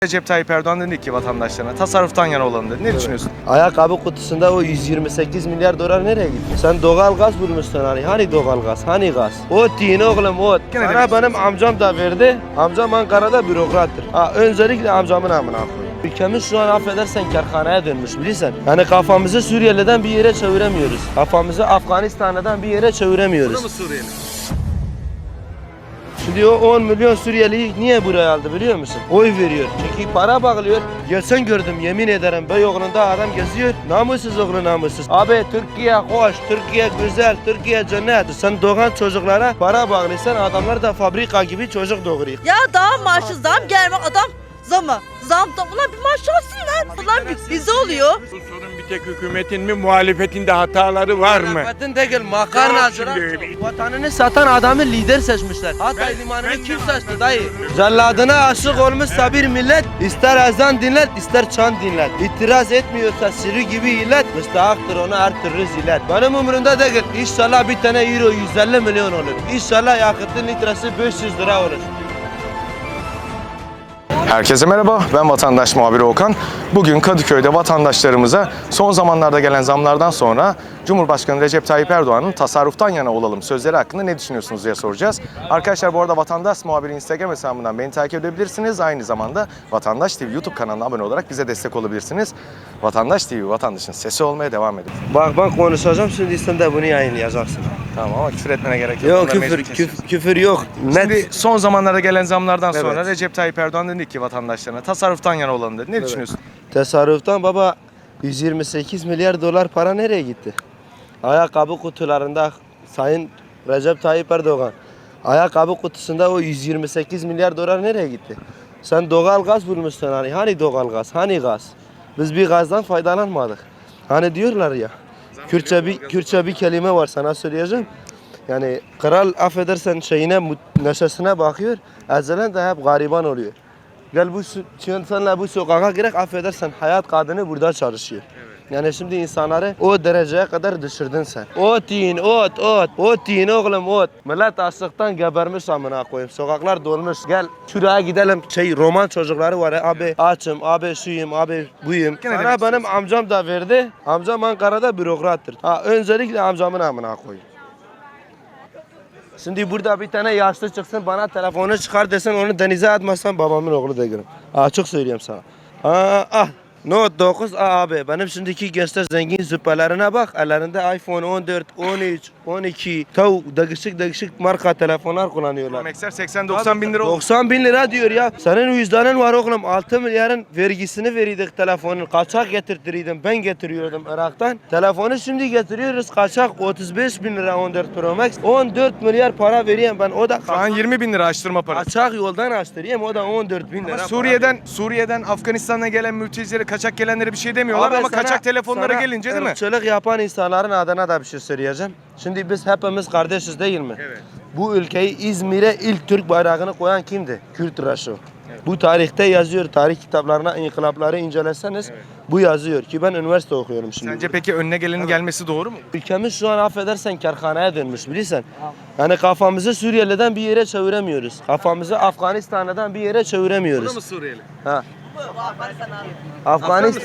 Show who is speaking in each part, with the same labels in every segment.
Speaker 1: Recep Tayyip Erdoğan dedi ki vatandaşlarına tasarruftan yana olalım dedi. Ne düşünüyorsun?
Speaker 2: Ayakkabı kutusunda o 128 milyar dolar nereye gitti? Sen doğal gaz bulmuşsun hani doğal gaz, hani gaz? Ot yiyin oğlum ot.
Speaker 1: Gene
Speaker 2: Sana
Speaker 1: demek
Speaker 2: benim amcam da verdi. Amcam Ankara'da bürokrattır. Öncelikle amcamın amına koyayım. Ülkemiz şu an affedersen kerhaneye dönmüş bilirsen. Yani kafamızı Suriyeli'den bir yere çeviremiyoruz. Kafamızı Afganistan'dan bir yere çeviremiyoruz.
Speaker 1: Bu da mı Suriyeli?
Speaker 2: Şimdi o 10 milyon Suriyeli'yi niye buraya aldı biliyor musun? Oy veriyor. Çünkü para bağlıyor. Gelsen gördüm yemin ederim Beyoğlu'nda adam geziyor. Namussuz oğlu namussuz. Abi Türkiye hoş, Türkiye güzel, Türkiye cennet. Sen doğan çocuklara para bağlıysan adamlar da fabrika gibi çocuk doğuruyor.
Speaker 3: Ya daha maaşı zam gelme adam zamı. Zam da ulan bir maaş alsınlar. Ulan bize oluyor.
Speaker 4: Bu sorun bir tek hükümetin mi muhalefetin de hataları var mı?
Speaker 2: Muhalefetin değil makarnacılar. Vatanını satan adamı lider seçmişler. Hatay limanını kim seçti dayı? Celladına aşık olmuşsa bir millet ister ezan dinlet ister çan dinlet. İtiraz etmiyorsa sürü gibi illet müstahaktır ona her türlü zillet. Benim umurumda değil. İnşallah bir tane euro 150 milyon olur. İnşallah yakıtın litresi 500 lira olur.
Speaker 1: Herkese merhaba, ben vatandaş muhabiri Okan. Bugün Kadıköy'de vatandaşlarımıza son zamanlarda gelen zamlardan sonra Cumhurbaşkanı Recep Tayyip Erdoğan'ın tasarruftan yana olalım sözleri hakkında ne düşünüyorsunuz diye soracağız. Arkadaşlar bu arada Vatandaş Muhabiri Instagram hesabından beni takip edebilirsiniz. Aynı zamanda Vatandaş TV YouTube kanalına abone olarak bize destek olabilirsiniz. Vatandaş TV, vatandaşın sesi olmaya devam edin.
Speaker 2: Bak ben konuşacağım şimdi sen de bunu yayınlayacaksın.
Speaker 1: Tamam ama küfür etmene gerek yok.
Speaker 2: Yok
Speaker 1: Bunlar mecbur
Speaker 2: küfür yok.
Speaker 1: Şimdi son zamanlarda gelen zamlardan sonra
Speaker 2: Evet.
Speaker 1: Recep Tayyip Erdoğan dedi ki vatandaşlarına tasarruftan yana olalım dedi. Ne düşünüyorsun?
Speaker 2: Tasarruftan baba 128 milyar dolar para nereye gitti? Ayakkabı kutularında Sayın Recep Tayyip Erdoğan ayakkabı kutusunda o 128 milyar dolar nereye gitti? Sen doğal gaz bulmuşsun hani doğal gaz, hani gaz? Biz bir gazdan faydalanmadık. Hani diyorlar ya Kürtçe bir kelime var sana söyleyeceğim. Yani kral affedersen neşesine bakıyor. Ezelen de hep gariban oluyor. Gel senle bu sokağa girek affedersen hayat kadını burada çalışıyor. Yani şimdi insanları o dereceye kadar düşürdün sen. Ot yiyin ot. Ot yiyin oğlum ot. Millet açlıktan gebermiş amına koyayım. Sokaklar dolmuş. Gel şuraya gidelim. Roman çocukları var ya. Abi açım, abi şuyum, abi buyum. Sana benim amcam da verdi. Amcam Ankara'da bürokrattır. Öncelikle amcamın amına koyayım. Şimdi burada bir tane yaşlı çıksın bana telefonu çıkar desen onu denize atmazsan babamın oğlu da görürüm. Açık söyleyeyim sana. Note 9 abi benim şimdiki gençler zengin züppelerine bak ellerinde iPhone 14, 13, 12 değişik marka telefonlar kullanıyorlar.
Speaker 1: Max'ler 80-90 bin lira oldu.
Speaker 2: 90 bin lira diyor ya. Senin vicdanın var oğlum 6 milyarın vergisini verirdik telefonun. Kaçak getirtiriydim ben getiriyordum Irak'tan. Telefonu şimdi getiriyoruz kaçak 35 bin lira 14 Pro Max. 14 milyar para vereyim ben o da
Speaker 1: Şu an 20 bin lira açtırma parası.
Speaker 2: kaçak yoldan açtırayım o da 14 bin lira.
Speaker 1: Suriye'den Afganistan'a gelen mültecilere kaçak gelenlere bir şey demiyorlar
Speaker 2: Abi
Speaker 1: ama
Speaker 2: sana-
Speaker 1: kaçak telefonlara
Speaker 2: sana
Speaker 1: gelince değil mi?
Speaker 2: ırkçılık yapan insanların adına da bir şey söyleyeceğim. Şimdi biz hepimiz kardeşiz değil mi?
Speaker 1: Evet.
Speaker 2: Bu ülkeyi İzmir'e ilk Türk bayrağını koyan kimdi? Kürt Reşo. Bu tarihte yazıyor. Tarih kitaplarına inkılapları inceleseniz bu yazıyor ki ben üniversite okuyorum şimdi.
Speaker 1: Sence peki önüne gelenin gelmesi doğru mu?
Speaker 2: Ülkemiz şu an affedersen kerhaneye dönmüş bilirsen. Yani kafamızı Suriyeli'den bir yere çeviremiyoruz. Kafamızı Afganistan'dan bir yere çeviremiyoruz.
Speaker 1: Suriyeli?
Speaker 2: Ha. Afganistan.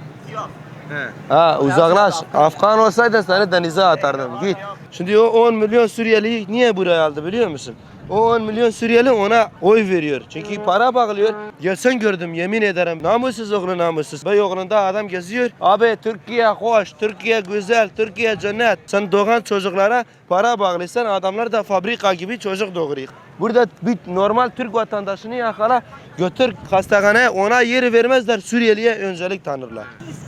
Speaker 1: He.
Speaker 2: Uzaklaş. Afgan olsaydın seni denize atardım. Git. Şimdi o 10 milyon Suriyeli'yi niye buraya aldı biliyor musun? O 10 milyon Suriyeli ona oy veriyor. Çünkü para bağlıyor. Gelsen gördüm yemin ederim. Namussuz oğlu namussuz. Beyoğlu'nda adam geziyor. Abi Türkiye hoş, Türkiye güzel, Türkiye cennet. Sen doğan çocuklara para bağlıysan adamlar da fabrika gibi çocuk doğuruyor. Burada bir normal Türk vatandaşını yakala götür hastaneye ona yeri vermezler. Suriyeli'ye öncelik tanırlar.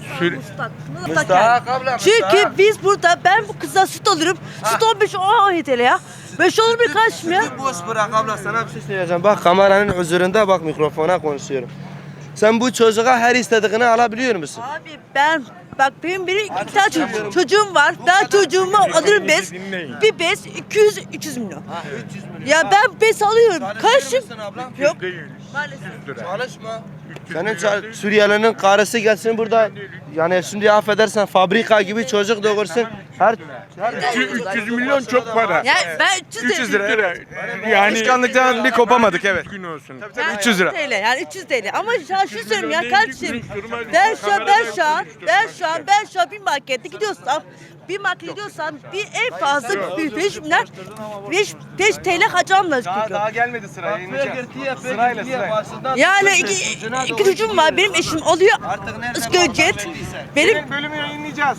Speaker 2: Müstahak abla,
Speaker 3: Çünkü
Speaker 2: müstahak.
Speaker 3: biz burada ben bu kıza süt alırım. Süt 15 TL ya. 5 olur bir kaç mı ya?
Speaker 2: Sütü boş bırak abla sana bir şey söyleyeceğim. Bak kameranın huzurunda bak mikrofona konuşuyorum. Sen bu çocuğa her istediğini alabiliyor musun?
Speaker 3: Abi benim iki tane çocuğum var. Ben çocuğumu alırım bez. Bir bez 300 milyon.
Speaker 2: 300 milyon.
Speaker 3: Ya ben bez alıyorum. Kaçım? Yok.
Speaker 2: Maalesef. Çalışma. Senin Suriyelinin karısı gelsin burada. Yani şimdi affedersen fabrika gibi çocuk doğursun. Her
Speaker 4: 300 milyon çok para.
Speaker 3: Yani ben
Speaker 1: 300 lira. Evet.
Speaker 4: Yani
Speaker 1: Başkanlıktan bir kopamadık evet.
Speaker 4: gün olsun.
Speaker 3: Yani
Speaker 1: 300 lira.
Speaker 3: TL yani 300 TL. Ama ya şunu söyleyeyim ya
Speaker 4: milyon
Speaker 3: kardeşim.
Speaker 4: değil, durma,
Speaker 3: Ben şu an bir markette gidiyorsam bir en fazla bir 5 milyar 5 TL harcamla çıkıyor.
Speaker 1: gelmedi sıra
Speaker 3: Yani iki çocuğum var. Benim eşim alıyor asgari ücret. Benim
Speaker 1: Bölümü yayınlayacağız.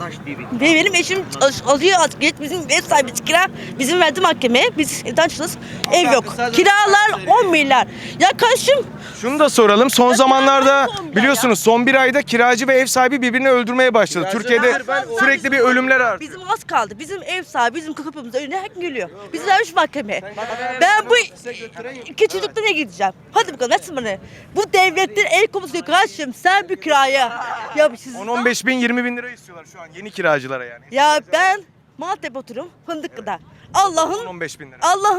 Speaker 3: benim eşim alıyor asgari ücret. Bizim ev sahibi kira. Bizim verdi mahkemeye. Biz evden çıkıyoruz. Ev yok. Kiralar 10 milyar. Ya kardeşim
Speaker 1: Şunu da soralım. Son zamanlarda
Speaker 3: ya.
Speaker 1: biliyorsunuz son bir ayda kiracı ve ev sahibi birbirini öldürmeye başladı. Türkiye'de sürekli bir ölümler artıyor.
Speaker 3: bizim az kaldı. Bizim ev sahibi bizim kapımızın önüne her gün geliyor. Biz vermiş mahkemeye. Ben bu iki çocukla ne gideceğim? Hadi bakalım etsin bana. Bu devletler el komusu yok kardeşim. Sen bir kiraya. Ya siz
Speaker 1: 10-15 bin 20 bin lira istiyorlar şu an yeni kiracılara yani.
Speaker 3: ya ben Maltepe oturum Fındıklı'da. Allah'ın
Speaker 1: 15 bin lira.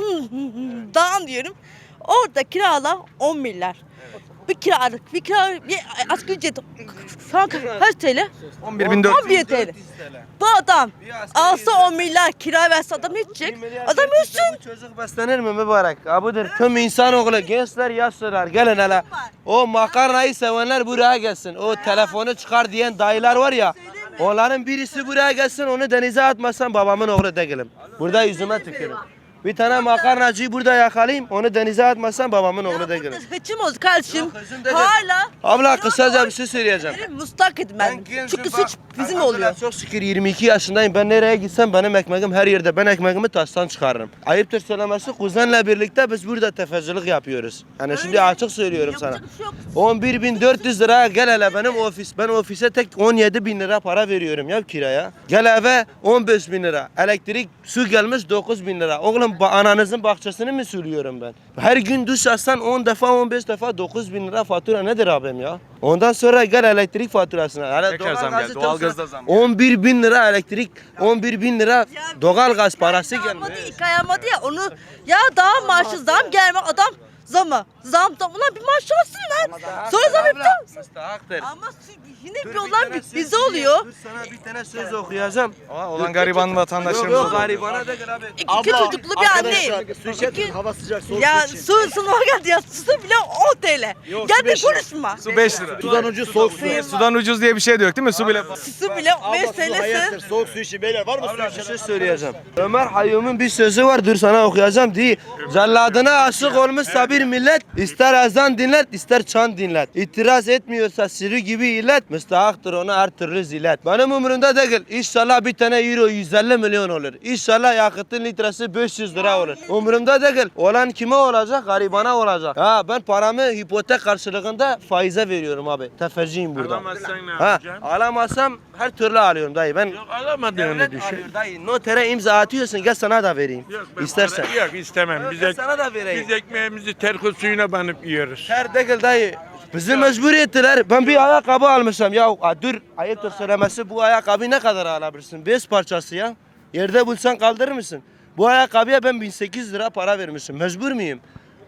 Speaker 3: dağın diyorum. Orada kiralar 10 milyar. Bir kira bir asgari ücret şu an kaç TL?
Speaker 1: 11.400.
Speaker 3: 11 TL. Bu adam alsa 10 milyar kira verse adam ne edecek? Adam ölsün.
Speaker 2: Bu çocuk beslenir mi mübarek? Abudur. Tüm insanoğlu gençler yaşlılar gelin hele. O makarnayı sevenler buraya gelsin. O telefonu çıkar diyen dayılar var ya. Onların birisi buraya gelsin onu denize atmasam babamın oğlu değilim. Burada yüzüme tükürün. Bir tane makarnacıyı burada yakalayayım onu denize atmasam babamın oğlu değilim.
Speaker 3: Hıçım oldu kardeşim.
Speaker 2: hıçım değil.
Speaker 3: Hala.
Speaker 2: Abla kısaca bir şey söyleyeceğim.
Speaker 3: Benim mustak edin ben. Çünkü suç bizim oluyor.
Speaker 2: Çok şükür 22 yaşındayım. Ben nereye gitsem benim ekmeğim her yerde. Ben ekmeğimi taştan çıkarırım. Ayıptır söylemesi kuzenle birlikte biz burada tefecilik yapıyoruz. Yani şimdi açık söylüyorum sana.
Speaker 3: Yapacak bir şey yok.
Speaker 2: 11.400 liraya gel hele benim ofis. Ben ofise tek 17.000 lira para veriyorum ya kiraya. Gel eve 15.000 lira. Elektrik su gelmiş 9.000 lira. Oğlum ananızın bahçesini mi sürüyorum ben? Her gün duş alsan 10 defa 15 defa 9.000 lira fatura nedir abim ya? Ondan sonra gel elektrik faturasına. Hele
Speaker 1: Tekrar zam geldi.
Speaker 2: doğalgazı
Speaker 1: Doğalgazda zam.
Speaker 2: 11.000 lira elektrik, 11.000 lira
Speaker 3: Ya
Speaker 2: doğalgaz parası
Speaker 3: İlk ay
Speaker 2: gelmiyor.
Speaker 3: almadı, ilk ay almadı ya onu ya daha maaşı zam gelme adam zam ulan bir maaş alsın lan. Sonra zam yaptı.
Speaker 2: Müstahaktır.
Speaker 3: Ama yine bir olan bize oluyor.
Speaker 2: Dur sana bir tane söz okuyacağım.
Speaker 1: Olan gariban vatandaşlarımız
Speaker 2: Yok
Speaker 1: oluyor.
Speaker 2: garibana da gel abi.
Speaker 3: İki çocuklu bir anneyim.
Speaker 5: Hava sıcak, soğuk
Speaker 3: Ya
Speaker 5: su için.
Speaker 3: sınava geldi ya su bile 10 TL.
Speaker 5: Yok,
Speaker 3: Gel
Speaker 5: su
Speaker 3: de
Speaker 5: beş lira.
Speaker 3: konuşma.
Speaker 1: Su 5 lira.
Speaker 5: Sudan ucuz soğuk su.
Speaker 1: Sudan ucuz diye bir şey de yok değil mi? Su bile.
Speaker 3: Su bile 5
Speaker 5: Abla su hayattır.
Speaker 3: TL'si.
Speaker 5: Soğuk su için beyler var mı su
Speaker 2: Bir
Speaker 5: için?
Speaker 2: şey söyleyeceğim. Ömer Hayyum'un bir sözü var dur sana okuyacağım diye. Celladına aşık olmuşsa bir millet ister ezan dinlet ister çan dinlet. İtiraz etmiyorsa sürü gibi illet müstahaktır ona her türlü zillet. Benim umurumda değil. İnşallah bir tane euro 150 milyon olur. İnşallah yakıtın litresi 500 lira olur. Umurumda değil. Olan kime olacak? Garibana olacak. Ha ben paramı hipotek karşılığında faize veriyorum abi. Tefeciyim burada.
Speaker 4: Alamazsan ne
Speaker 2: Ha,
Speaker 4: yapacaksın?
Speaker 2: alamazsam her türlü alıyorum dayı. Ben
Speaker 4: Yok alamadığını
Speaker 2: devlet
Speaker 4: düşün.
Speaker 2: alıyor dayı. Notere imza atıyorsun gel sana da vereyim.
Speaker 4: Yok, ben
Speaker 2: İstersen.
Speaker 4: para- Yok istemem.
Speaker 2: Yok,
Speaker 4: Biz,
Speaker 2: ben sana da vereyim.
Speaker 4: biz ekmeğimizi terkos suyuna banıp yiyoruz.
Speaker 2: Her değil dayı. Bizi mecbur ettiler. Ben bir ayakkabı almışım ya. Dur ayıptır söylemesi bu ayakkabı ne kadar alabilirsin? Bez parçası ya. Yerde bulsan kaldırır mısın? Bu ayakkabıya ben 1800 lira para vermişim. Mecbur muyum?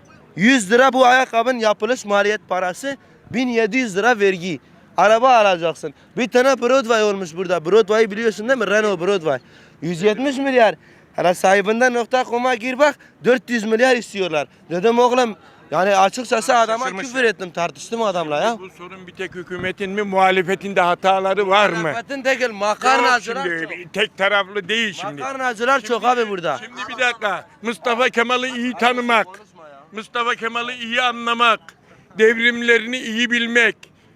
Speaker 2: 100 lira bu ayakkabının yapılış maliyet parası. 1700 lira vergi. Araba alacaksın. Bir tane Broadway olmuş burada. Broadway'ı biliyorsun değil mi? Renault Broadway. 170 milyar. Hele sahibinden .com'a gir bak 400 milyar istiyorlar. Dedim oğlum yani açıkçası adama
Speaker 1: Şaşırmış.
Speaker 2: küfür ettim tartıştım adamla ya.
Speaker 4: Bu sorun bir tek hükümetin mi muhalefetin de hataları var mı?
Speaker 2: Muhalefetin değil
Speaker 4: Yok
Speaker 2: makarnacılar
Speaker 4: şimdi,
Speaker 2: çok.
Speaker 4: tek taraflı değil şimdi.
Speaker 2: Makarnacılar çok abi burada.
Speaker 4: Şimdi bir dakika. Mustafa Kemal'i iyi tanımak. Mustafa Kemal'i iyi anlamak. Devrimlerini iyi bilmek.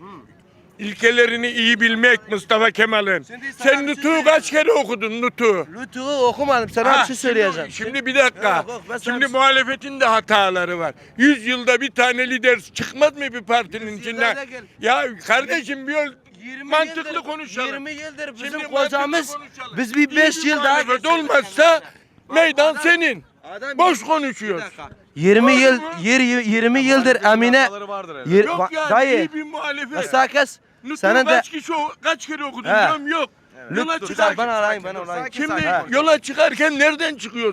Speaker 4: İlkelerini iyi bilmek Mustafa Kemal'in.
Speaker 2: Şimdi sana
Speaker 4: Sen
Speaker 2: bir şey
Speaker 4: Nutuk'u kaç kere okudun Nutuk'u?
Speaker 2: Lütfü'yü okumadım sana bir şey söyleyeceğim.
Speaker 4: Şimdi bir dakika.
Speaker 2: Yok, yok, ben sana
Speaker 4: Şimdi
Speaker 2: bir şey-
Speaker 4: muhalefetin de hataları var. 100 yılda bir tane lider çıkmaz mı bir partinin
Speaker 2: 100
Speaker 4: içinden?
Speaker 2: yılda gel.
Speaker 4: Ya kardeşim bir
Speaker 2: 20
Speaker 4: mantıklı
Speaker 2: yıldır-
Speaker 4: konuşalım.
Speaker 2: 20 yıldır bizim
Speaker 4: Şimdi
Speaker 2: kocamız
Speaker 4: mantıklı konuşalım.
Speaker 2: biz bir 5
Speaker 4: İyi
Speaker 2: yıl daha
Speaker 4: muhalefet olmazsa meydan senin.
Speaker 2: Adam-
Speaker 4: Boş
Speaker 2: Bir
Speaker 4: konuşuyorsun.
Speaker 2: dakika. 20 yıl 20 yıldır Emine
Speaker 1: Hataları vardır herhalde.
Speaker 4: Yok yani
Speaker 2: dayı
Speaker 4: iyi bir muhalefet.
Speaker 2: mesela kes
Speaker 4: Nutuk'u
Speaker 2: senin de
Speaker 4: kaç kere okudun
Speaker 2: He.
Speaker 4: diyorum yok. Yola
Speaker 2: Lütfü
Speaker 4: çıkarken
Speaker 2: ben alayım ben alayım.
Speaker 4: şimdi
Speaker 2: He.
Speaker 4: yola çıkarken nereden çıkıyorsun?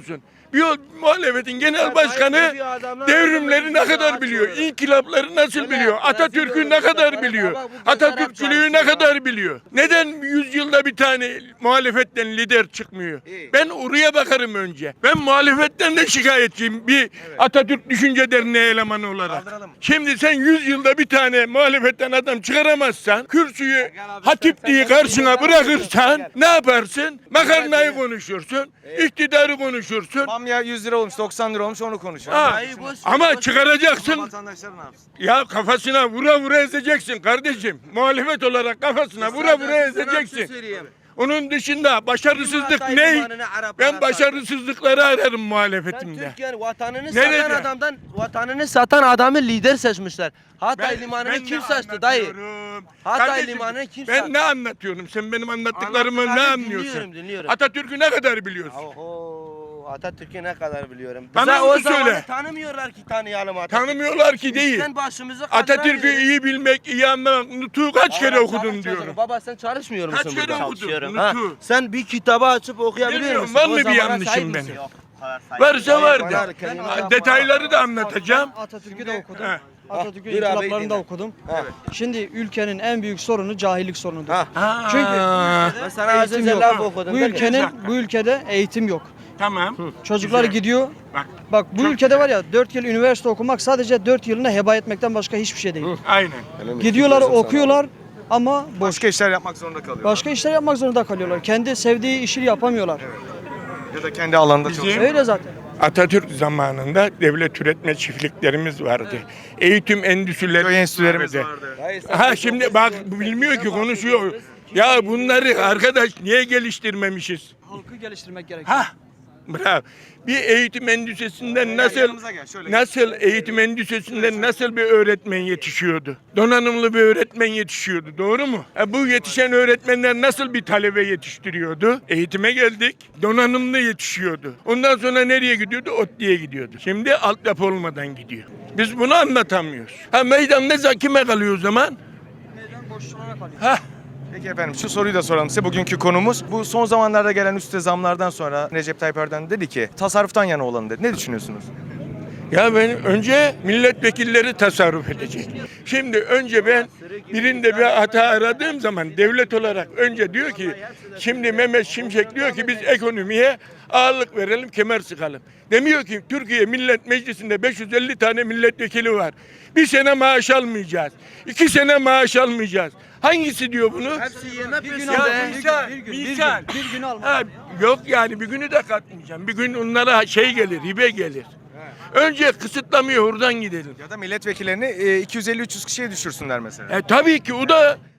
Speaker 4: Bir muhalefetin genel başkanı devrimleri ne kadar biliyor? İnkılapları nasıl biliyor? Atatürk'ü ne kadar biliyor? Atatürkçülüğü ne kadar biliyor? Neden 100 yılda bir tane muhalefetten lider çıkmıyor? Ben oraya bakarım önce. Ben muhalefetten de şikayetçiyim bir Atatürk Düşünce Derneği elemanı olarak. Şimdi sen 100 yılda bir tane muhalefetten adam çıkaramazsan, kürsüyü hatipliği karşına bırakırsan ne yaparsın? Makarnayı konuşursun, iktidarı konuşursun.
Speaker 1: Bamya 100 lira olmuş, 90 lira olmuş, onu konuşalım.
Speaker 4: Ha, ama çıkaracaksın.
Speaker 1: Vatandaşlar ne yapsın?
Speaker 4: Ya kafasına vura vura ezeceksin kardeşim. Muhalefet olarak kafasına vura vura ezeceksin. Onun dışında başarısızlık ne? Ben başarısızlıkları ararım muhalefetimde.
Speaker 2: Türkiye'nin vatanını
Speaker 4: Nerede?
Speaker 2: satan adamdan vatanını satan adamı lider seçmişler. Hatay limanını kim
Speaker 4: ne
Speaker 2: saçtı dayı?
Speaker 4: anlatıyorum?
Speaker 2: Hatay
Speaker 4: Kardeşim,
Speaker 2: limanını kim
Speaker 4: Ben
Speaker 2: sattı?
Speaker 4: ne anlatıyorum? Sen benim anlattıklarımı ne
Speaker 2: Anlattıklarını
Speaker 4: anlıyorsun?
Speaker 2: dinliyorum.
Speaker 4: Atatürk'ü ne kadar biliyorsun?
Speaker 2: Oho, Atatürk'ü ne kadar biliyorum.
Speaker 4: Bana
Speaker 2: Bize
Speaker 4: onu
Speaker 2: o zamanı
Speaker 4: söyle.
Speaker 2: tanımıyorlar ki tanıyalım Atatürk'ü.
Speaker 4: Tanımıyorlar ki değil.
Speaker 2: Sen başımızı
Speaker 4: Atatürk'ü iyi bilmek, iyi anlamak. Nutuk'u kaç kere okudun diyorum.
Speaker 2: Baba sen çalışmıyor musun
Speaker 4: Kaç
Speaker 2: burada?
Speaker 4: kere okudun?
Speaker 2: Ha,
Speaker 4: Nutuk'u.
Speaker 2: sen bir kitabı açıp okuyabiliyor
Speaker 4: Bilmiyorum,
Speaker 2: musun?
Speaker 4: var
Speaker 2: O
Speaker 4: mı bir
Speaker 2: zamana
Speaker 4: yanlışım
Speaker 2: sahip
Speaker 4: benim?
Speaker 2: misin?
Speaker 4: Varsa var
Speaker 2: Hayır,
Speaker 4: da.
Speaker 2: var, kendine
Speaker 4: Ha, detayları da anlatacağım.
Speaker 6: Atatürk'ü de okudum.
Speaker 4: He.
Speaker 6: Atatürk'ün
Speaker 2: buyur abi,
Speaker 6: inkılaplarını da
Speaker 2: dinle.
Speaker 6: okudum.
Speaker 2: Ha.
Speaker 6: Şimdi ülkenin en büyük sorunu cahillik sorunudur.
Speaker 2: Ha.
Speaker 6: Çünkü
Speaker 2: Ben sana az
Speaker 6: eğitim
Speaker 2: önce
Speaker 6: yok.
Speaker 2: laf okudum.
Speaker 6: Bu ülkede eğitim yok.
Speaker 4: Tamam.
Speaker 6: Çocuklar
Speaker 4: Güzel.
Speaker 6: gidiyor.
Speaker 4: Bak.
Speaker 6: Bak bu
Speaker 4: Çok
Speaker 6: ülkede var ya 4 yıl üniversite okumak sadece 4 yılını heba etmekten başka hiçbir şey değil.
Speaker 4: Aynen.
Speaker 6: Gidiyorlar okuyorlar ama boş.
Speaker 1: Başka işler yapmak zorunda kalıyor.
Speaker 6: Başka işler yapmak zorunda kalıyorlar. Kendi sevdiği işi yapamıyorlar.
Speaker 1: Ya da kendi alanında
Speaker 4: Bizim-
Speaker 1: çalışıyor.
Speaker 6: Öyle zaten.
Speaker 4: Atatürk zamanında devlet üretme çiftliklerimiz vardı. Eğitim endüstrileri
Speaker 1: Köy enstitülerimiz vardı.
Speaker 4: Ha şimdi bak bilmiyor ki konuşuyor. Ya bunları arkadaş niye geliştirmemişiz?
Speaker 6: Halkı geliştirmek gerekiyor.
Speaker 4: Ha, bravo. Bir eğitim endüstrisinden nasıl
Speaker 1: yanımıza gel, şöyle
Speaker 4: nasıl eğitim endüstrisinden nasıl bir öğretmen yetişiyordu? Donanımlı bir öğretmen yetişiyordu. Doğru mu? Bu yetişen öğretmenler nasıl bir talebe yetiştiriyordu? Eğitime geldik. Donanımlı yetişiyordu. Ondan sonra nereye gidiyordu? ODTÜ'ye gidiyordu. Şimdi altyapı olmadan gidiyor. Biz bunu anlatamıyoruz. Ha meydan ne kime kalıyor o zaman?
Speaker 6: Meydan boşluğuna kalıyor.
Speaker 4: Ha
Speaker 1: Peki efendim şu soruyu da soralım size. Bugünkü konumuz bu son zamanlarda gelen üste zamlardan sonra Recep Tayyip Erdoğan dedi ki tasarruftan yana olalım dedi. Ne düşünüyorsunuz?
Speaker 4: Ya ben önce milletvekilleri tasarruf edecek. Şimdi önce ben birinde bir hata aradığım zaman devlet olarak önce diyor ki şimdi Mehmet Şimşek diyor ki biz ekonomiye ağırlık verelim, kemer sıkalım. Demiyor ki Türkiye Millet Meclisi'nde 550 tane milletvekili var. Bir sene maaş almayacağız. 2 sene maaş almayacağız. Hangisi diyor bunu?
Speaker 2: Hepsi yeme
Speaker 6: Bir gün
Speaker 2: peşinde.
Speaker 6: al.
Speaker 4: Misal.
Speaker 6: Bir gün alma.
Speaker 4: Ha, yok yani bir günü de katmayacağım. Bir gün onlara şey gelir, hibe gelir. Önce kısıtlamıyor oradan gidelim.
Speaker 1: Ya da milletvekillerini 250-300 kişiye düşürsünler mesela.
Speaker 4: Tabii ki o da